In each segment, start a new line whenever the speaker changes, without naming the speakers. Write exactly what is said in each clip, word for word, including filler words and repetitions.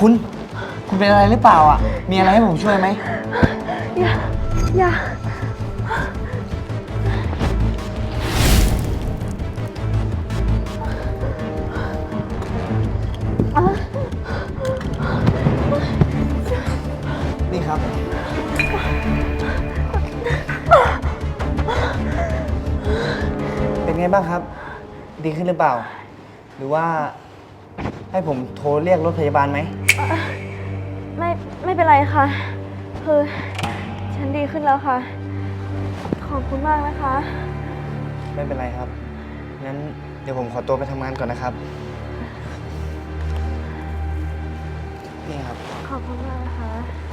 คุณ คุณเป็นอะไรหรือเปล่าอ่ะ มีอะไรให้ผมช่วยไหม
อย่า อย่า
นี่ครับ เป็นไงบ้างครับ ดีขึ้นหรือเปล่า หรือว่าให้ผมโทรเรียกรถพยาบาลไหม
ไม่ ไม่เป็นไรค่ะ คือฉันดีขึ้นแล้วค่ะ ขอบคุณมากนะคะ
ไม่เป็นไรครับ งั้นเดี๋ยวผมขอตัวไปทำงานก่อนนะครับ นี่ครับ
ขอบคุณมากนะคะ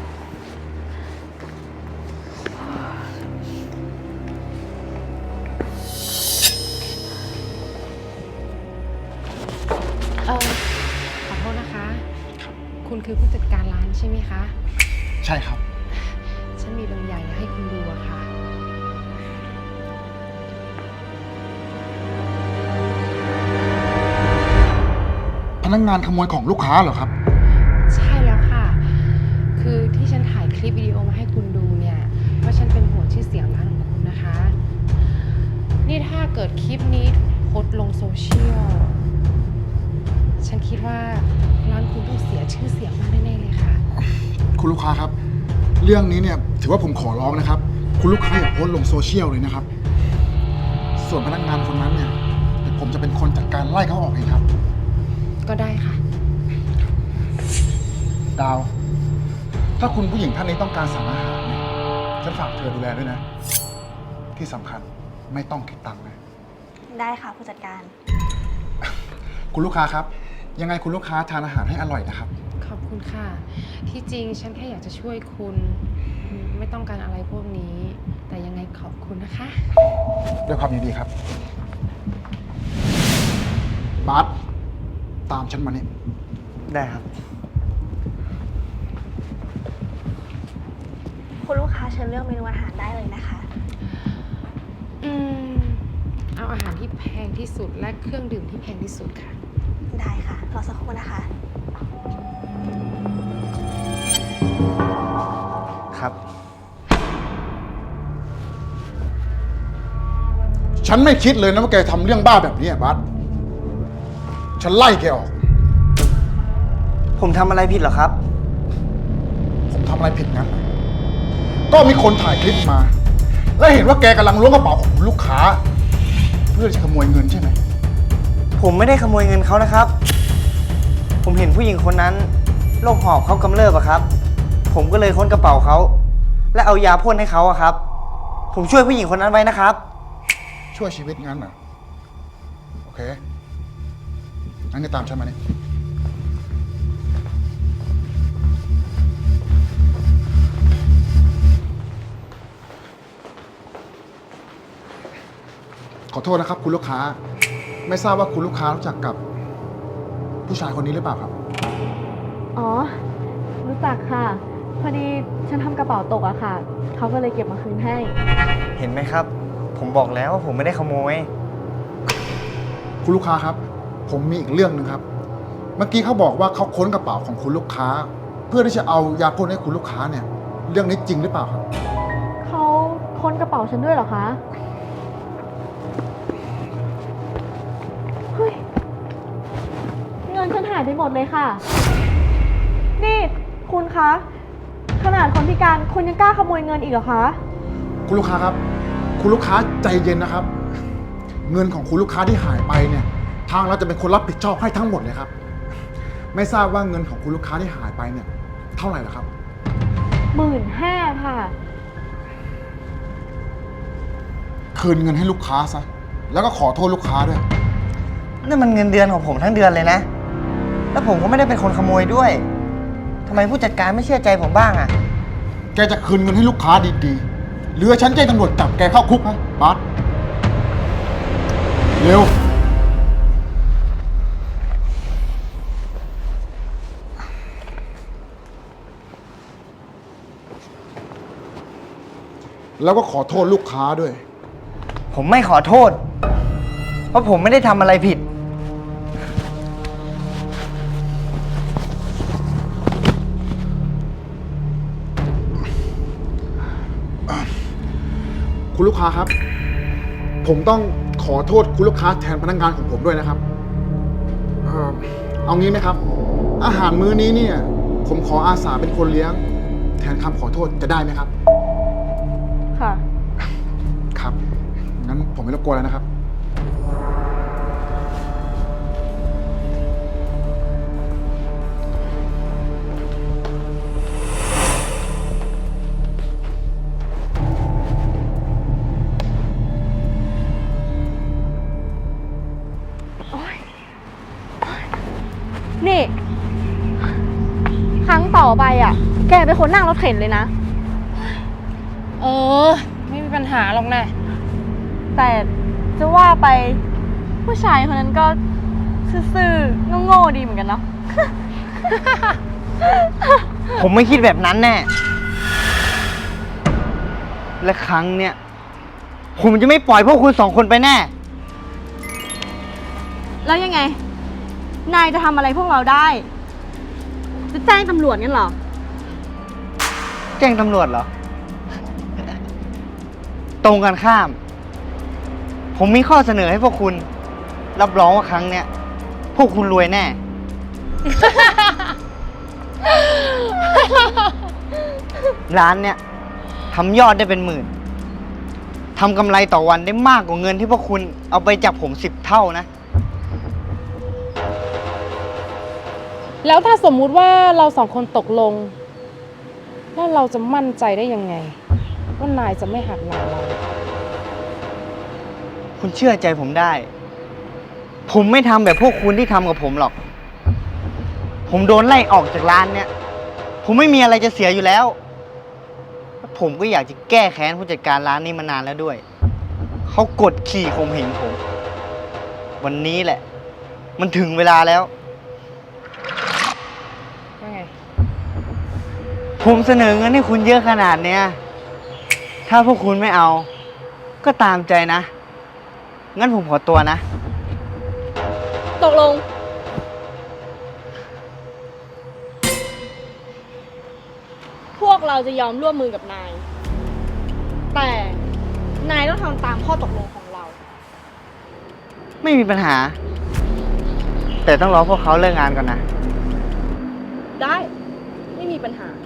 เออขอโทษนะคะ คุณคือผู้จัดการร้านใช่ไหมคะ
ใช่ครับ
ฉันมีบางอย่างอยากให้คุณดูอะค่ะ
พนักงานขโมยของลูกค้าเหรอครับ
ใช่แล้วค่ะ คือที่ฉันถ่ายคลิปวิดีโอมาให้คุณดูเนี่ย เพราะฉันเป็นห่วงชื่อเสียงร้านของคุณนะคะ นี่ถ้าเกิดคลิปนี้ถูกโพสต์ลงโซเชียล ฉันคิดว่าร้านคุณต้องเสียชื่อเสียงมากแน่ๆเลยค่ะ
คุณลูกค้าครับ เรื่องนี้เนี่ยถือว่าผมขอร้องนะครับ คุณลูกค้าอย่าโพสต์ลงโซเชียลเลยนะครับ ส่วนพนักงานคนนั้นเนี่ยเดี๋ยวผมจะเป็นคนจัดการไล่เขาออกเองครับ
ก็ได้ค่ะ
ดาว ถ้าคุณผู้หญิงท่านนี้ต้องการสั่งอาหารเนี่ยฉันฝากเธอดูแลด้วยนะ ที่สำคัญไม่ต้องคิดตังค์นะ
ได้ค่ะผู้จัดการ
คุณลูกค้าครับ ยังไงคุณลูกค้าทานอาหารให้อร่อยนะครับ
ขอบคุณค่ะ ที่จริงฉันแค่อยากจะช่วยคุณ ไม่ต้องการอะไรพวกนี้ แต่ยังไงขอบคุณนะคะ
ด้วยความยินดีครับ บาสตามฉันมานี่
ได้ครับ
คุณลูกค้าเชิญเลือกเมนูอาหารได้เลยนะคะ
อืม เอาอาหารที่แพงที่สุดและเครื่องดื่มที่แพงที่สุดค่ะ
ได้ค่ะ รอสักครู่นะคะ
ครับ
ฉันไม่คิดเลยนะว่าแกทำเรื่องบ้าแบบนี้อะบาสฉันไล่แกออก
ผมทำอะไรผิดเหรอครับ
ผมทำอะไรผิดงั้น ก็มีคนถ่ายคลิปมา และเห็นว่าแกกำลังล้วงกระเป๋าของลูกค้า เพื่อจะขโมยเงินใช่ไหม
ผมไม่ได้ขโมยเงินเขานะครับ ผมเห็นผู้หญิงคนนั้นโรคหอบเขากำเริบอะครับ ผมก็เลยค้นกระเป๋าเขา และเอายาพ่นให้เขาอะครับ ผมช่วยผู้หญิงคนนั้นไว้นะครับ
ช่วยชีวิตงั้นเหรอ โอเค งั้นก็ตามฉันมานี่ขอโทษนะครับคุณลูกค้า ไม่ทราบว่าคุณลูกค้ารู้จักกับ ผู้ชายคนนี้หรือเปล่าครับ
อ๋อ รู้จักค่ะ พอดีฉันทำกระเป๋าตกอะค่ะ เขาก็เลยเก็บมาคืนให้
เห็นไหมครับ ผมบอกแล้วว่าผมไม่ได้ขโมย
คุณลูกค้าครับ ผมมีอีกเรื่องหนึ่งครับ เมื่อกี้เขาบอกว่าเขาค้นกระเป๋าของคุณลูกค้า เพื่อที่จะเอายาพ่นให้คุณลูกค้าเนี่ย เรื่องนี้จริงหรือเปล่าครับ
เขาค้นกระเป๋าฉันด้วยเหรอคะ เฮ้ย เงินฉันหายไปหมดเลยค่ะ นี่คุณคะ ขนาดคนพิการคุณยังกล้าขโมยเงินอีกเหรอคะ
คุณลูกค้าครับ คุณลูกค้าใจเย็นนะครับ เงินของคุณลูกค้าที่หายไปเนี่ย ทางเราจะเป็นคนรับผิดชอบให้ทั้งหมดเลยครับ ไม่ทราบว่าเงินของคุณลูกค้าที่หายไปเนี่ย เท่าไหร่ล่ะครับ
หมื่นห้าค่ะ
คืนเงินให้ลูกค้าซะ แล้วก็ขอโทษลูกค้าด้วย
นั่นมันเงินเดือนของผมทั้งเดือนเลยนะ แล้วผมก็ไม่ได้เป็นคนขโมยด้วยทำไมผู้จัดการไม่เชื่อใจผมบ้างอะ
แกจะคืนเงินให้ลูกค้าดีๆหรือฉันแจ้งตำรวจจับแกเข้าคุกฮะบาสเร็ว แล้วก็ขอโทษลูกค้าด้วย
ผมไม่ขอโทษ เพราะผมไม่ได้ทำอะไรผิด
คุณลูกค้าครับ ผมต้องขอโทษคุณลูกค้าแทนพนักงานของผมด้วยนะครับเอ่อเอางี้ไหมครับ อาหารมื้อนี้เนี่ย ผมขออาสาเป็นคนเลี้ยง แทนคำขอโทษจะได้ไหมครับ
ค่ะ
ครับ งั้นผมไม่รบกวนแล้วนะครับ
นี่ ครั้งต่อไปอ่ะ แกเป็นคนนั่งรถเข็นเลยนะ
เออ ไม่มีปัญหาหรอกนะ
แต่จะว่าไปผู้ชายคนนั้นก็ซื่อๆโง่ๆดีเหมือนกันเนาะ
ผมไม่คิดแบบนั้นแน่ และครั้งเนี้ยผมจะไม่ปล่อยพวกคุณสองคนไปแน่
แล้วยังไง นายจะทำอะไรพวกเราได้ จะแจ้งตำรวจงั้นเหรอ
แจ้งตำรวจเหรอ ตรงกันข้าม ผมมีข้อเสนอให้พวกคุณ รับรองว่าครั้งเนี้ยพวกคุณรวยแน่ ร้านเนี้ยทำยอดได้เป็นหมื่นทำกำไรต่อวันได้มากกว่าเงินที่พวกคุณเอาไปจากผมสิบเท่านะ
แล้วถ้าสมมุติว่าเราสองคนตกลง แล้วเราจะมั่นใจได้ยังไง ว่านายจะไม่หักหลังเรา
คุณเชื่อใจผมได้ ผมไม่ทำแบบพวกคุณที่ทำกับผมหรอก ผมโดนไล่ออกจากร้านเนี่ย ผมไม่มีอะไรจะเสียอยู่แล้วและผมก็อยากจะแก้แค้นผู้จัดการร้านนี้มานานแล้วด้วย เขากดขี่ข่มเหงผม วันนี้แหละ มันถึงเวลาแล้ว
ว่าไง
ผมเสนอเงินให้คุณเยอะขนาดเนี้ย ถ้าพวกคุณไม่เอา ก็ตามใจนะ งั้นผมขอตัวนะ
ตกลง พวกเราจะยอมร่วมมือกับนาย แต่นายต้องทำตามข้อตกลงของเรา
ไม่มีปัญหา แต่ต้องรอพวกเขาเลิกงานก่อนนะ
ได้ ไม่มีปัญหา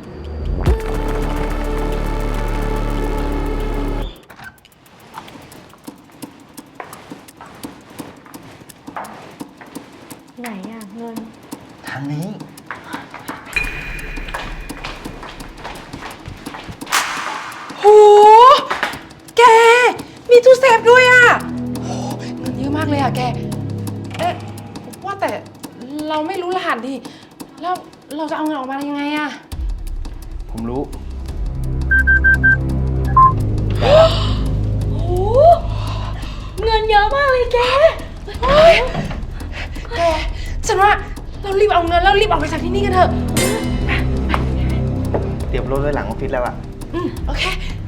ไหนอ่ะ เงิน
ทางนี้
โห แก มีตู้เซฟด้วยอ่ะโหเงินเยอะมากเลยอ่ะแก เอ๊ะ ว่าแต่เราไม่รู้รหัสดิ แล้วเราจะเอาเงินออกมายังไงอ่ะ
ผมรู้
โอ้ เงินเยอะมากเลยแก
แก ฉันว่าเรารีบเอาเงินแล้วรีบออกไปจากที่นี่กันเถอะ
เตรียมรถไว้หลังออฟฟิศแล้วอะ
อืม โอเค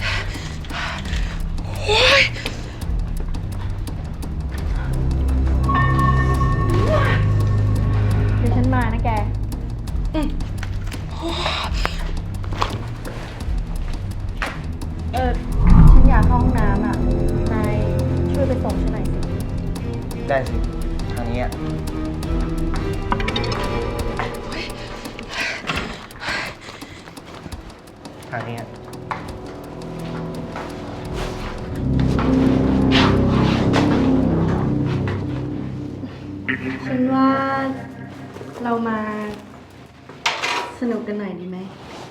เดี๋ยวฉันมานะแก
อืม
เออ ฉันอยากเข้าห้องน้ำอ่ะ นายช่วยไปส่งฉันหน่อยสิ
ได้สิ ทางนี้อะทางนี้อะ
ฉันว่าเรามาสนุกกันหน่อยดีไหม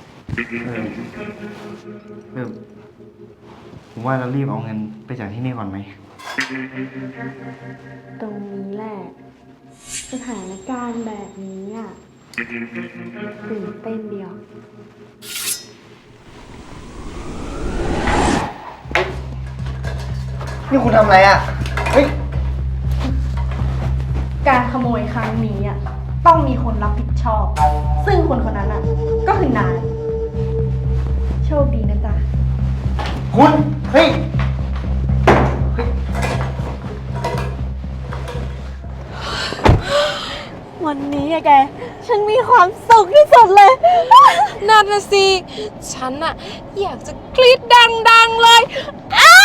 เออผมว่าเรารีบเอาเงินไปจากที่นี่ก่อนไหม
ตรงนี้แหละ สถานการณ์แบบนี้อ่ะตื่นเต้นเดียว
นี่คุณทำอะไรอะเฮ้ย
การขโมยครั้งนี้อ่ะต้องมีคนรับผิดชอบ ซึ่งคนคนนั้นอ่ะก็คือนาย โชคดีนะจ๊ะ
คุณ เฮ้ย
วันนี้อะแก ฉันมีความสุขที่สุดเลย
นั่นนะสิ ฉันอะอยากจะกรี๊ดดังๆเลย อ้า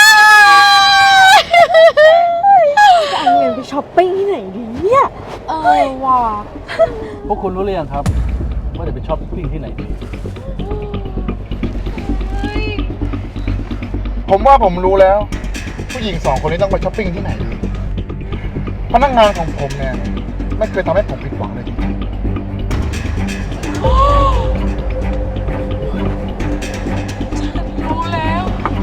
จะเอาเงินไปช้อปปิ้งที่ไหนดีเนี่ย
เออว่ะ
พวกคุณรู้หรือยังครับ ว่าจะไปช้อปปิ้งที่ไหนดี
ผมว่าผมรู้แล้ว ผู้หญิงสองคนนี้ต้องไปช้อปปิ้งที่ไหนดีพนักงานของผมเนี่ยไม่เคยทำให้ผมผิดหวังเลยจริงๆ
รู้แล้ว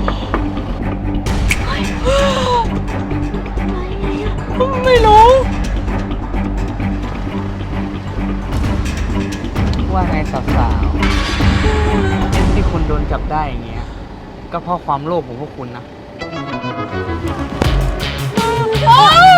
ไม่รู้
ว่าไงสาวๆที่คุณโดนจับได้อย่างเงี้ย ก็เพราะความโลภของพวกคุณนะ
โอ๊ย